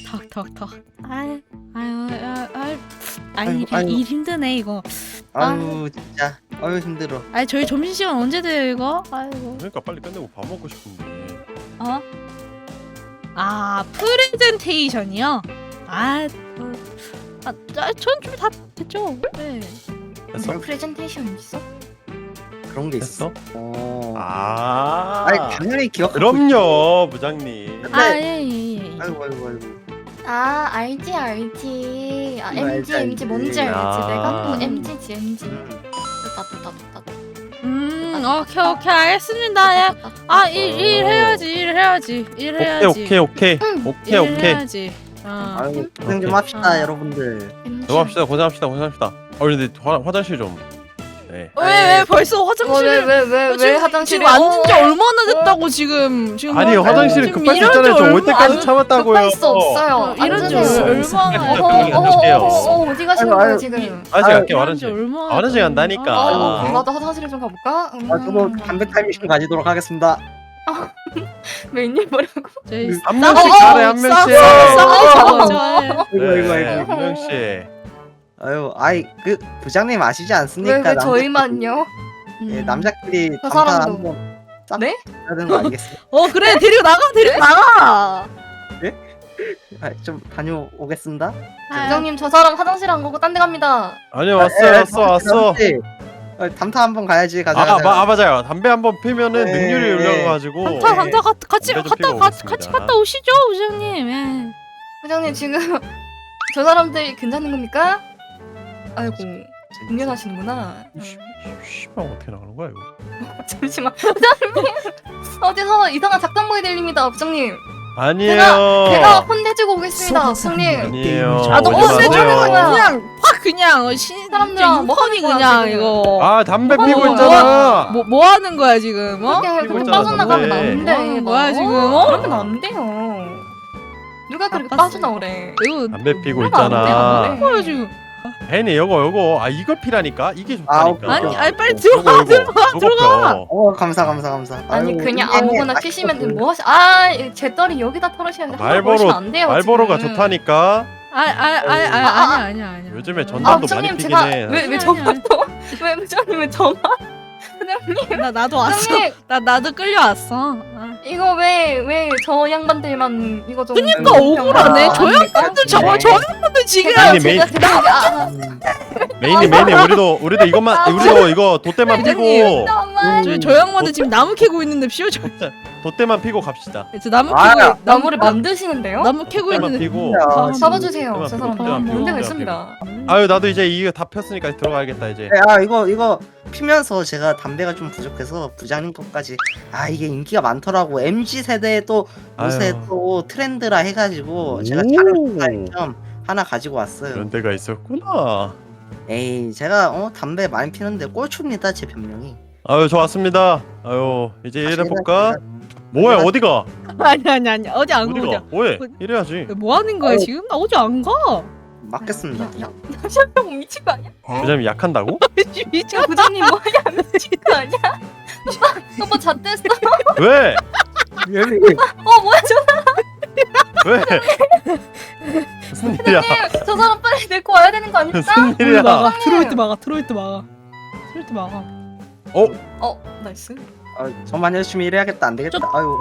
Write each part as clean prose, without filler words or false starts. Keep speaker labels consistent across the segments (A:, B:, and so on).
A: 턱. 일 힘드네 이거.
B: 아유 진짜 힘들어.
A: 저희 점심시간 언제 돼요 이거? 아이고.
C: 그러니까 빨리 끝내고 밥 먹고 싶은데.
A: 어? 프레젠테이션이요? 전 좀 다 됐죠. 네.
C: 됐어?
D: 프레젠테이션 있어?
B: 그런 게 있어.
C: 됐어?
B: 아니 당연히 기억.
C: 그럼요 부장님.
A: 예.
B: 아이고.
D: 알지. MG 뭔지 알지?
C: 아.
D: 내가 또 MG지 MG. 됐다.
A: 오케이 알겠습니다. 예. 일 해야지.
C: 오케이.
A: 일 해야지.
B: 아유 고생 좀
C: 오케이.
B: 합시다 여러분들.
C: 고생합시다. 고생합시다. 근데 화장실 좀. 네.
A: 왜 벌써 화장실?
D: 왜 화장실에?
A: 지금 앉은 지 얼마나 됐다고 지금
C: 아니
A: 뭐-
C: 화장실은
A: 지금
C: 급할 수
A: 이런
C: 있잖아요.
A: 지
C: 저 올
A: 얼마
C: 때까지
A: 안-
C: 참았다고요.
D: 급할 수 없어요.
A: 이런 지
D: 앉으세요.
A: 얼마나
D: 어디 가시는
B: 아유,
D: 거예요
B: 아유,
D: 지금?
C: 아직 갈게
A: 이런 지
C: 화장실.
A: 얼마나
C: 화장실 간다니까.
A: 아,
D: 나도 화장실에 좀 가볼까?
B: 저도 담배 타임머신 가지도록 하겠습니다.
D: 웬일 뭐라고?
A: 저희
C: 한 명씩 가래 한 명씩.
B: 이거.
C: 한 명씩.
B: 그 부장님 아시지 않습니까?
D: 왜 저희만요?
B: 남자끼리
D: 저
B: 담타
D: 사람도.
B: 한번 싹
D: 네?
B: 해야 되는 거 아니겠어요?
A: 그래 데리고 나가.
B: 좀 다녀오겠습니다.
D: 부장님 저 사람 화장실 안 가고 딴 데 갑니다.
C: 아니요 왔어.
B: 담타 한번 가야지. 가자.
C: 맞아요. 담배 한번 피면은
B: 네.
C: 능률이 올라가가지고.
A: 담타 같이
C: 담배 좀 피고
A: 같이
C: 오겠습니다.
A: 갔다 오시죠 부장님. 예.
D: 부장님 지금 저 사람들 괜찮은 겁니까? 아이고 공연하시는구나.
C: 씨발 어떻게 나가는 거야 이거?
D: 잠시만 부장님 어디서 이상한 작전보이 들립니다 부장님.
C: 아니에요.
D: 제가 혼내주고 오겠습니다 부장님.
C: 아니에요.
A: 너무
C: 오지
A: 세죠.
C: 마세요.
A: 그냥 신
D: 사람들아, 뭐 하는 거야,
A: 그냥
D: 지금?
A: 이거.
C: 아 담배
D: 뭐
C: 피고
D: 하는
C: 있잖아.
A: 뭐 하는 거야 지금?
D: 그렇게
C: 피고
D: 그렇게
C: 있잖아,
D: 빠져나가면
C: 담배.
D: 안 돼.
A: 뭐 하는 거야, 지금?
D: 그러면 안 돼요. 누가 그렇게
A: 아팠어.
D: 빠져나오래?
A: 이거
C: 담배 피고
D: 그러면 안
C: 있잖아.
D: 돼요.
A: 뭐야 지금?
C: 혜니 요거 이거 피라니까 이게
B: 아,
C: 좋다니까.
A: 아니 빨리 들어가. 들어가.
B: 감사.
D: 아니
B: 아유,
D: 그냥
B: 이게
D: 아무거나
B: 맛있어.
D: 피시면 돼. 뭐 하시? 제 떨이 여기다 털으시는데
C: 말보로
D: 안 돼요.
C: 말보로가
D: 지금.
C: 좋다니까.
A: 아니야.
C: 요즘에
D: 아
C: 전담도
D: 부장님
C: 많이
D: 제가
C: 피긴 해.
D: 왜
A: 아니,
D: 저만
A: 아니.
D: 또? 왜 부장님 왜 저만? 부장님
A: 나도 왔어.
D: 부장님
A: 나도 끌려왔어.
D: 이거 왜 저 양반들만 이거 좀
A: 그러니까 억울하네. 저
D: 양반들
A: 저 양반들 지금
C: 아니, 메인- 메인이 우리도 이것만 우리도 이거 돛대만 피고
A: 저 양반들 지금 나무 캐고 있는데 피워 저
C: 돛대만 피고 갑시다.
A: 나무
B: 아,
A: 캐고
D: 나무를 만드시는데요?
A: 나무 캐고
C: 돛대만
A: 있는데
C: 피고.
B: 야,
D: 잡아주세요.
C: 돛대만
D: 저
C: 피고,
D: 사람
C: 돛대만 피고,
D: 문제가
C: 돛대만
D: 있습니다.
C: 아유 나도 이제 이거 다 폈으니까 들어가야겠다 이제.
B: 이거 피면서 제가 담배가 좀 부족해서 부장님 것까지 이게 인기가 많더라고. MZ 세대에 또 요새
C: 아유.
B: 또 트렌드라 해가지고 제가
C: 오.
B: 자료 좀 하나 가지고 왔어요.
C: 그런 데가 있었구나.
B: 에이 제가 담배 많이 피는데 꼴초입니다 제 변명이.
C: 아유 좋았습니다. 아유 이제
B: 다시
C: 일해볼까?
B: 해볼게요.
C: 뭐야 어디가?
A: 아니 어디 안 가.
C: 어디가? 뭐해? 이래야지.
A: 뭐 하는 거야 지금? 나 어디 안 가.
B: 맞겠습니다.
D: 샤병 미친 거 아니야?
C: 부장님 약한다고?
A: 미쳐.
D: 야 부장님 뭐야 미친 거 아니야? 오빠 잣됐어?
C: 왜?
D: 뭐야 저
C: 왜? 무슨 일이야?
D: 사람 저 사람 빨리 데리고 와야 되는 거 아닙니까?
C: 무슨 일이야?
A: 트로이트 막아.
D: 나이스.
A: 뭐?
B: 열심히 일해야겠다. 안 되겠다. 아유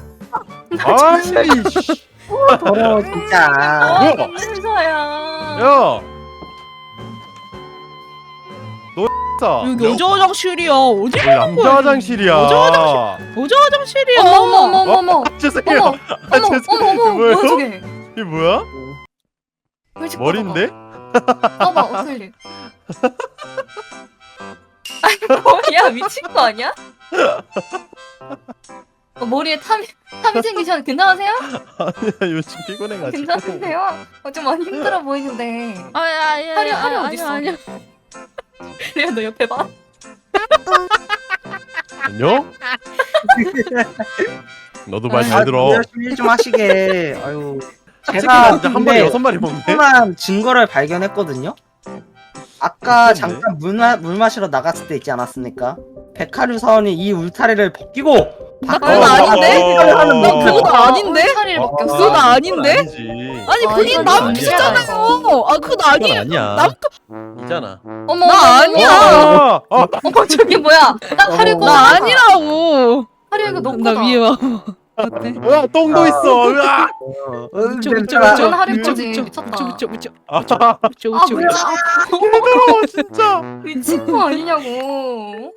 C: 아이씨.
B: 더러워 진짜.
C: 뭐야?
D: 진짜야.
C: 야. 너 X다.
A: 여기 여자 화장실이야. 어디
C: 여기 남자 화장실이야.
A: 여자 화장실이야.
D: 어머.
C: 죄송해요.
D: 어머.
C: 죄송해요.
D: 뭐야 저게?
C: 이게 뭐야?
D: 왜 이렇게
C: 머리인데?
D: 봐봐 어슬리. 아니 뭐야 미친 거 아니야? 머리에 탐이 생기셨는데 괜찮으세요?
C: 아니야 요즘 피곤해가지고.
D: 괜찮으세요? 좀 많이 힘들어 보이는데. 하려 어딨어?
A: 아니야.
D: 그래 너 옆에 봐.
C: 안녕? 너도 말 잘 들어.
B: 열심히 일 좀 하시게. 아유
C: 치킨
B: 제가
C: 진짜 한 마리 6마리 먹네.
B: 궁금한 증거를 발견했거든요. 아까
C: 어떤데?
B: 잠깐 물 마시러 나갔을 때 있지 않았습니까? 백화류 사원이 이 울타리를 벗기고
A: 나 그건 아닌데? 나 그건 아닌데?
D: 차리를 벗겼어.
A: 그건 아닌데?
C: 아니지.
A: 아니
D: 아,
A: 본인
D: 이건
A: 남
D: 아니야,
A: 주잖아요. 아 그건
C: 그건
A: 아니에요.
C: 아니야. 이잖아.
D: 어머,
A: 나 아니야.
D: 어머, 저기 뭐야? 딱 하려고.
A: 나 아니라고.
D: 하려고 놓고
A: 나 위에 와. 어때?
C: 으아 똥도 있어. 으아.
A: 그쵸,
B: 냄새나.
D: 전 하릴
A: 그쵸,
D: 거지.
A: 그쵸,
D: 미쳤다.
A: 그쵸 그쵸
C: 아,
A: 그쵸
D: 아,
A: 그쵸
D: 뭐야?
C: 개더러워 진짜.
D: 미친 거 아니냐고.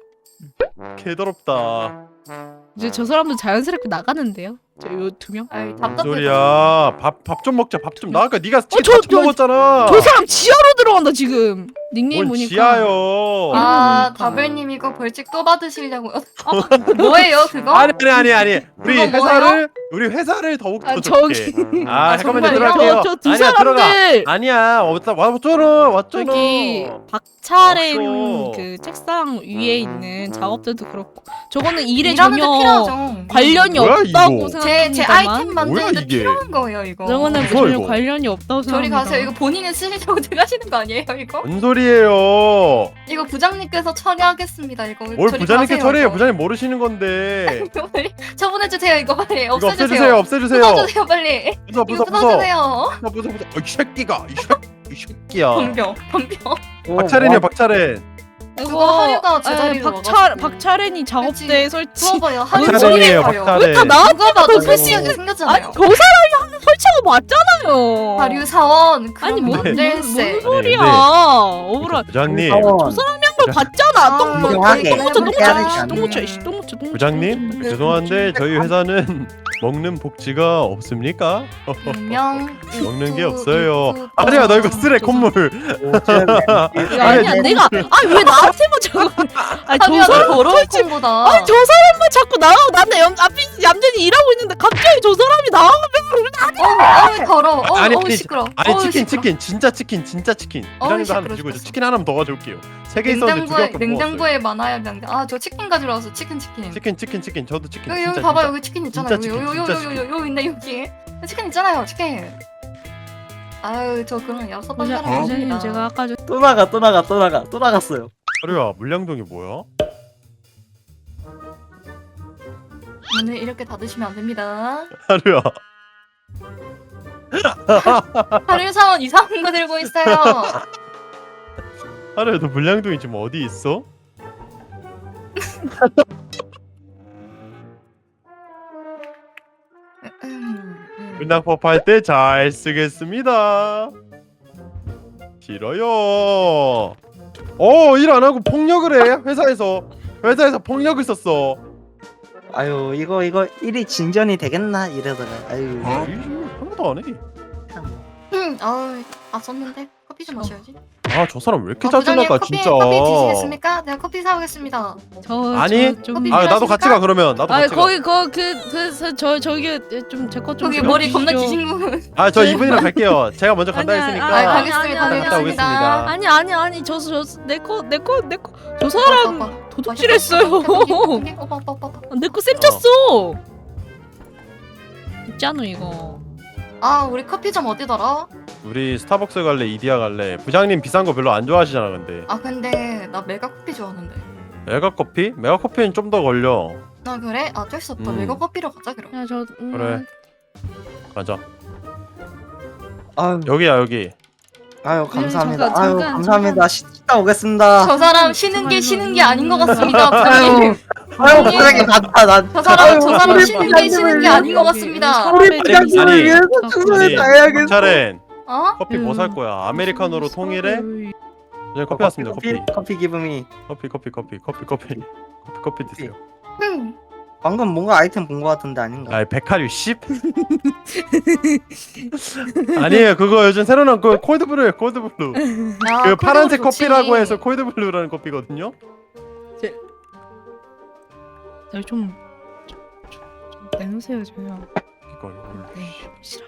C: 개더럽다.
A: 이제 저 사람도 자연스럽게 나가는데요. 저 요 2명.
D: 아이,
C: 무슨
D: 답답해.
C: 소리야. 밥 좀 먹자. 밥 좀. 나 아까 네가 치킨
A: 저-
C: 다 처먹었잖아.
A: 저 사람 지하로 들어간다 지금. 닉네임
C: 뭔
A: 보니까.
C: 지하요.
D: 아,
A: 이러니까.
D: 다벨님 이거 벌칙 또 받으시려고요? 뭐예요 그거?
C: 아니. 우리
D: 그거
C: 우리 회사를 더욱 더
A: 아,
C: 좋게.
A: 저기.
C: 아,
D: 아,
C: 잠깐만요.
D: 정말요?
C: 들어갈게요.
A: 저 두
C: 아니야, 들어가.
A: 사람들
C: 아니야. 왔잖아. 왔잖아.
A: 저기 박차렘
C: 없어.
A: 그 책상 위에 있는 작업들도 그렇고 저거는 일에
D: 일하는데
A: 전혀
D: 필요하죠.
A: 관련이
C: 뭐야,
A: 없다고
C: 이거?
D: 제
A: 생각합니다만
D: 아이템 만드는데
C: 뭐야, 이게?
D: 필요한 거예요 이거.
A: 저거는
C: 무슨
A: 전혀
C: 이거?
A: 관련이 없다고
D: 저리
A: 생각합니다.
D: 가세요. 이거 본인이 쓰시려고 들어가시는 거 아니에요 이거?
C: 뭔 소리예요?
D: 이거 부장님께서 처리하겠습니다 이거.
C: 뭘
D: 저리
C: 부장님께
D: 가세요,
C: 처리해요?
D: 이거.
C: 부장님 모르시는 건데.
D: 이거 빨리 처분해주세요 이거 빨리
C: 이거
D: 없애주세요.
C: 없애주세요.
D: 부숴주세요 빨리.
C: 부숴
D: 이거
C: 부숴 부숴.
D: 부숴주세요.
C: 부숴. 이 새끼가 이 새끼야.
D: 덤벼.
C: 박차렌이야 박차렌.
D: 그거 하류가 제자리로
A: 박차렌이 작업대에 설치.
D: 부어봐요. 하류
C: 박차렌이에요
D: 소리예요.
C: 박차렌.
A: 왜 다 나한테
D: 누가 봐도
B: 아이고.
D: 설치하게
A: 아니
D: 생겼잖아요.
A: 저 사람이 하는 설치가 맞잖아요.
D: 하류 사원
A: 아니
D: 그러면
A: 뭔
D: 안 될세.
A: 뭔 소리야?
C: 근데-
A: 억울하.
C: 부장님.
B: 사원.
A: 걸 봤잖아.
B: 인정하게.
A: 똥무쳐 이씨 똥무쳐.
C: 부장님 죄송한데 저희 회사는 먹는 복지가 없습니까?
D: 분명
C: 먹는 게 없어요. 아니야 너 이거 쓰레 콧물.
A: 아니야 내가 왜 나한테만 자꾸 아니 저
D: 하류가
A: 사람
D: 더러운 콩보다.
A: 아니 저 사람만 자꾸 나가고 나는 앞에 얌전히 일하고 있는데 갑자기 저 사람이 나가면
D: 더러워.
C: 아니,
D: 어우
C: 아니,
D: 시끄러.
C: 아니
D: 어우,
C: 치킨
D: 시끄러.
C: 치킨 진짜 치킨 진짜 치킨. 부장님도 하나
D: 시끄러
C: 주시고 저
D: 죽겠어.
C: 치킨 하나만 더 가져올게요. 3개 있었는데 2개 갖고
D: 냉장고에 많아야 되는데 저 치킨 가지러 왔어 치킨.
C: 치킨 저도 치킨
D: 여기
C: 진짜
D: 봐봐
C: 진짜.
D: 여기 치킨 있잖아요.
C: 진짜 치킨, 진짜 치킨.
D: 여기 있네 여기. 치킨 있잖아요 치킨. 아유 저 그런 얍삽한 사람
A: 부장님
D: 아닙니다.
A: 제가 아까
B: 또 나갔어요.
C: 하루야 물량동이 뭐야?
D: 문을 이렇게 닫으시면 안 됩니다.
C: 하루야
D: 하루 사원 이상한 거 들고 있어요.
C: 하루야 너 물량동이 지금 어디 있어? 문학법 할 때 잘 쓰겠습니다. 싫어요. 일 안 하고 폭력을 해 회사에서 폭력을 썼어.
B: 아유 이거 일이 진전이 되겠나 이러다가 아유.
C: 하나도 안 해.
D: 썼는데 커피 좀 마셔야지.
C: 아 저 사람 왜 이렇게
D: 부장님,
C: 짜증나까
D: 커피,
C: 진짜.
D: 커피 드시겠습니까? 내가 커피 사오겠습니다.
C: 아니,
A: 좀
D: 커피
C: 아 나도 같이 가 그러면 나도
A: 아
C: 같이 가.
A: 거기 저기 좀 제 것 좀
D: 거기 머리 겁나 기신 분.
C: 저 이분이랑 갈게요. 제가 먼저 간다
A: 아니야,
C: 했으니까.
A: 아니,
D: 가겠습니다.
A: 아니,
C: 갔다 오겠습니다.
A: 아니 저 사람 도둑질했어요. 내 거 쌤 쳤어. 있잖아 이거.
D: 우리 커피점 어디더라?
C: 우리 스타벅스 갈래 이디야 갈래. 부장님 비싼 거 별로 안 좋아하시잖아 근데.
D: 근데 나 메가 커피 좋아하는데.
C: 메가커피? 메가커피는 좀 더 걸려.
D: 그래? 어쩔 수 없다.
C: 음.
D: 메가 커피로 가자 그럼.
A: 야 저
C: 그래. 가자.
B: 아유
C: 여기.
B: 감사합니다.
A: 잠깐.
B: 감사합니다. 씻다 오겠습니다.
D: 저 사람 쉬는 게 아닌 것 같습니다. 부장님.
B: 아유 부장님 갔다 난.
D: 저 사람
B: 우리
D: 쉬는 게 아닌 것 같습니다.
B: 우리 부장님을
C: 아니,
B: 위해서 최선을 다해야겠어.
C: 차렌
D: 어?
C: 커피 뭐 살 거야? 아메리카노로 통일해? 네, 커피 왔습니다.
B: 커피 기분이.
C: 커피 드세요.
B: 방금 뭔가 아이템 본 거 같은데 아닌가?
C: 백화류 10? 아니에요. 그거 요즘 새로 나온 그 콜드브루예요. 콜드브루. 그 파란색 커피라고 해서 콜드브루라는 커피거든요.
A: 좀 내놓으세요 저요.
C: 이거.
A: 네 싫어.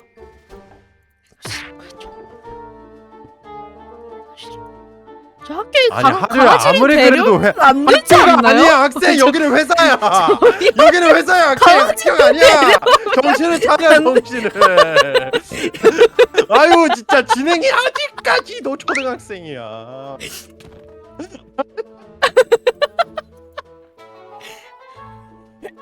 A: 저 학교에
C: 하루야 아무리 그래도
A: 안 되지 않나요?
C: 아니야 학생 여기는 회사야. 여기는 회사야. 학교 아니야. 정신을 차려 정신을. 아유 진짜 진행이 아직까지도 초등학생이야.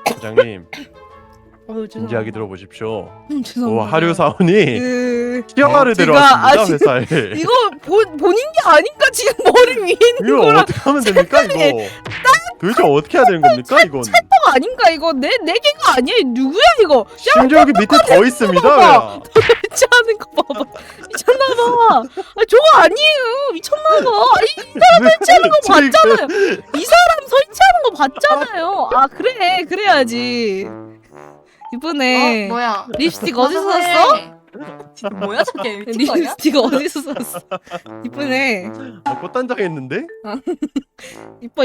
C: 부장님
A: 죄송합니다.
C: 진지하게 들어보십시오.
A: 죄송합니다.
C: 하류 사원이 시험하러
A: 제가
C: 들어왔습니다
A: 지금
C: 회사에.
A: 이거 본인 게 아닌가 지금 머리 위에 있는
C: 이거
A: 거랑
C: 어떻게 하면 됩니까 이거? 도대체 어떻게 해야 되는 겁니까 이건?
A: 거 아닌가 이거 내 개가 아니야 누구야 이거
C: 심지어 여기 밑에 더 있습니다.
A: 봐봐.
C: 야.
A: 설치하는 거 봐봐 미쳤나봐. 저거 아니에요 미쳤나봐. 이 사람 설치하는 거 봤잖아요. 이 사람 설치하는 거 봤잖아요. 아 그래 그래야지. 이번에
D: 뭐야?
A: 립스틱 어디서 샀어?
D: 뭐야 저게 미친 거 아니야?
A: 립스틱 어디서 샀어? 이번에
C: 꽃단장 했는데?
A: 이뻐.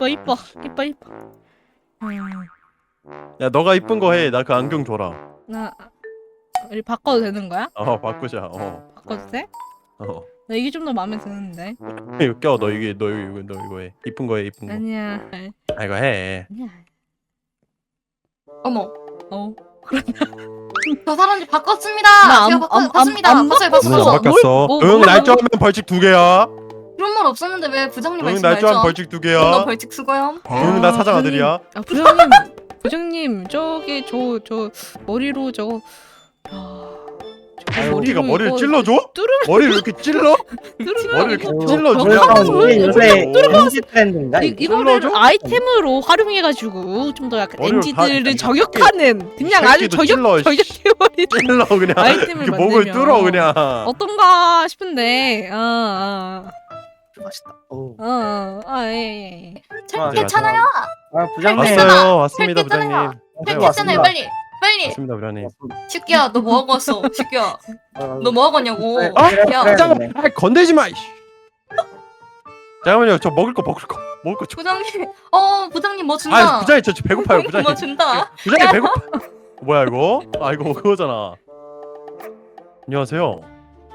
C: 야 너가 이쁜 거 해. 나 그 안경 줘라.
A: 나 우리 바꿔도 되는 거야?
C: 바꾸자.
A: 바꿔도 돼? 나 이게 좀 더 마음에 드는데.
C: 이거 껴. 너 이거 해. 이쁜 거 해. 이쁜 거.
A: 아니야.
C: 이거 해.
A: 아니야.
D: 어머.
A: 그러냐?
D: 저 사람들 바꿨습니다.
A: 나
D: 제가
A: 안
D: 바꿨습니다. 바꿨어요.
C: 응, 안
D: 바꿨어.
C: 바뀌었어.
A: 뭘
C: 응 날조하면 벌칙 2개야.
D: 그런 말 없었는데 왜 부장님
C: 응
D: 말씀
C: 날조하면
D: 알죠?
C: 벌칙
D: 나
C: 2개야.
D: 벌칙 수고요.
C: 응 나 사장 아들이야.
A: 부장님 저기 저 머리로 저거
C: 어디가 머리를
A: 이거
C: 찔러줘?
A: 뚜르면
C: 머리를 이렇게 찔러?
A: 뚜르면
C: 머리를
A: 이거
C: 이렇게 찔러줘?
B: 이게 요새
C: 뚫어봐.
B: MZ 트렌드인가?
A: 이거를
C: 찔러줘?
A: 아이템으로 활용해가지고 좀 더 약간
C: 머리를
A: NG들을
C: 다-
A: 저격하는 그냥 아주
C: 새끼도 찔러,
A: 저격해버리는
C: 찔러 그냥.
A: 아이템을
C: 이렇게 목을
A: 만들면
C: 뚫어 그냥.
A: 어떤가 싶은데
B: 맛있다.
A: 예.
D: 괜찮아요.
B: 부장님.
C: 왔습니다
D: 괜찮아요.
C: 부장님.
D: 괜찮아요. 빨리.
C: 왔습니다 부장님.
D: 식기야 너 뭐 하고 왔어? 식기야 너 뭐 하고 왔냐고.
B: 네,
D: 야
B: 그래.
C: 잠깐만. 건들지 마. 이씨. 잠깐만요. 저 먹을 거 줘.
D: 부장님. 부장님 뭐 준다.
C: 부장님 저 배고파요 부장님.
D: 뭐 준다.
C: 부장님 배고파. 뭐야 이거? 이거 그거잖아. 안녕하세요.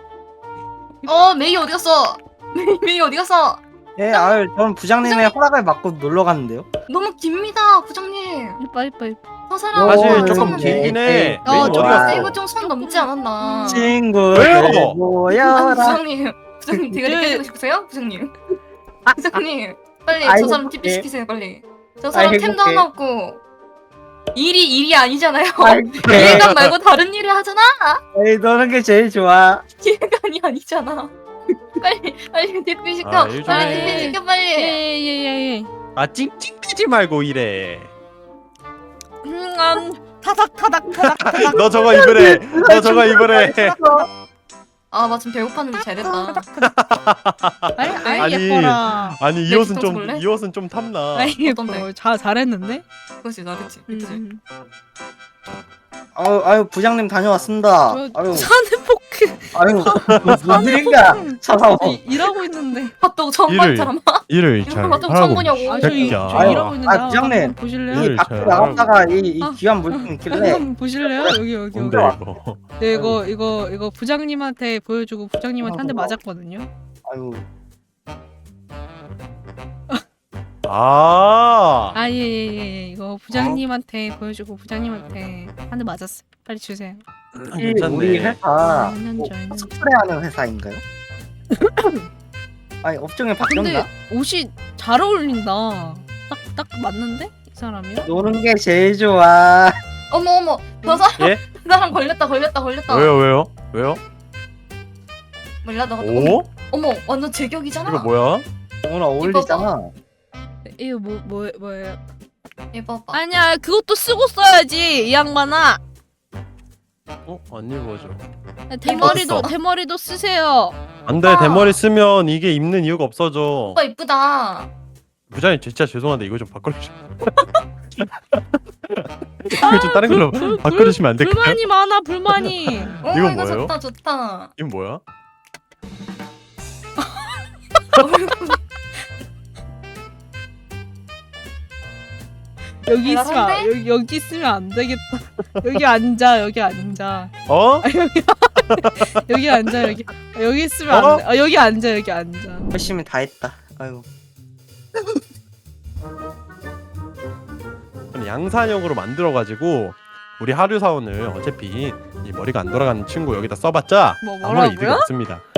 D: 메이 어디 갔어? 메이 어디 갔어?
B: 예, 저는 부장님의 허락을 받고 놀러 갔는데요.
D: 너무 깁니다 부장님.
A: 이뻐.
D: 저 사람
C: 사실
B: 오,
C: 조금
B: 네.
C: 길긴 해.
A: 어,
C: 메인 어디
A: 좀
C: 갔어?
D: 이거 좀 선 넘지 않았나?
B: 친구들
C: 왜요?
B: 모여라.
D: 부장님 대가리
A: 네.
D: 깨지고 싶으세요? 부장님 부장님 빨리
B: 아이고,
D: 저 사람 TP
B: 네.
D: 시키세요 빨리. 저 사람
B: 아이고,
D: 템도
B: 네.
D: 하나 없고 일이 아니잖아요.
B: 네.
D: 일감 말고 다른 일을 하잖아.
B: 에이, 너는 게 제일 좋아.
D: 일감이 아니잖아. 빨리 TP 시켜.
C: 아, 일 좀
D: 빨리
C: 해.
D: TP 시켜 빨리.
A: 예예예예.
C: 찡찡대지 말고 이래.
A: 타닥.
C: 너 저거 입으래. 너 저거 입으래.
D: 아 마침 배고팠는데 잘됐다.
A: 아이
C: 아니,
A: 예뻐라.
C: 아니 이
D: 내
C: 옷은
D: 뒤통수 볼래?
C: 이 옷은 좀 탐나.
A: 아이 예뻐.
D: 어떤데?
A: 잘했는데.
D: 그렇지 나 그치 그치.
B: 아유, 부장님 다녀왔습니다. 아유,
A: 사는 포크
B: 무슨 일인가? 차사원.
A: 일하고 있는데.
D: 핫도그 처음
C: 일을
D: 본 사람.
C: 일을 잘
D: 핫도그 처음
C: 하라고.
D: 보냐고.
A: 저
C: 새끼야.
A: 일하고 있는데
B: 아, 부장님.
A: 한번 보실래요?
C: 일
B: 이 밖에
C: 잘
B: 나갔다가 이
A: 아.
B: 귀한 물품 있길래
A: 한번 보실래요? 여기.
C: 뭔데 이거?
A: 네, 이거 부장님한테 보여주고 부장님한테 한 대 맞았거든요.
B: 아유,
A: 예. 이거 부장님한테 보여주고 부장님한테 한 대 맞았어. 빨리 주세요.
B: 우리
C: 괜찮네.
B: 회사
A: 년
B: 뭐
A: 전.
B: 스프레이하는 회사인가요? 아니 업종이
A: 근데
B: 바뀌었나?
A: 옷이 잘 어울린다. 딱 맞는데? 이 사람이요?
B: 노는 게 제일 좋아.
D: 어머 저 사람
C: 예?
D: 그 사람 걸렸다.
C: 왜요?
D: 몰라 너가
C: 오?
D: 어머 완전 제격이잖아.
C: 이거 뭐야?
B: 오늘 어울리잖아.
A: 이거 뭐예요?
D: 예뻐.
A: 아니야, 그것도 쓰고 써야지 이 양반아.
C: 안 입어져.
A: 대머리도 쓰세요.
C: 안돼
D: 오빠.
C: 대머리 쓰면 이게 입는 이유가 없어져.
D: 오빠 이쁘다.
C: 부장님 진짜 죄송한데 이거 좀 바꿔주시. 이거 좀 다른 걸로 바꿔주시면 안 될까요?
A: 불만이 많아, 불만이.
C: 이건
D: 이거
C: 뭐예요?
D: 좋다.
C: 이건 뭐야?
A: 여기 있으면
D: 대단한데?
A: 여기 있으면 안 되겠다. 여기 앉아.
C: 어?
A: 여기 앉아. 여기 있으면 안 돼. 여기 앉아.
B: 열심히 다 했다. 아유.
C: 양산형으로 만들어가지고 우리 하류 사원을 어차피 이 머리가 안 돌아가는 친구 여기다 써봤자 아무런 이득이
A: 뭐라고요?
C: 없습니다.